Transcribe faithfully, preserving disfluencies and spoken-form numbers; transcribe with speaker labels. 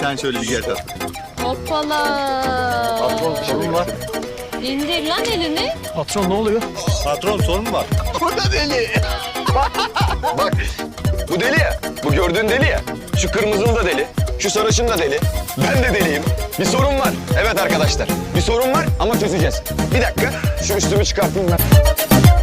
Speaker 1: sen şöyle bir gel tatlım.
Speaker 2: Hoppala.
Speaker 1: Patron sorun var.
Speaker 2: İndir lan elini.
Speaker 3: Patron ne oluyor?
Speaker 1: Patron sorun var.
Speaker 4: Bu da deli. Bak, bu deli ya. Bu gördüğün deli ya. Şu kırmızılı da deli. Şu sarışın da deli. Ben de deliyim. Bir sorun var. Evet arkadaşlar. Bir sorun var ama çözeceğiz. Bir dakika. Şu üstümü çıkartayım ben.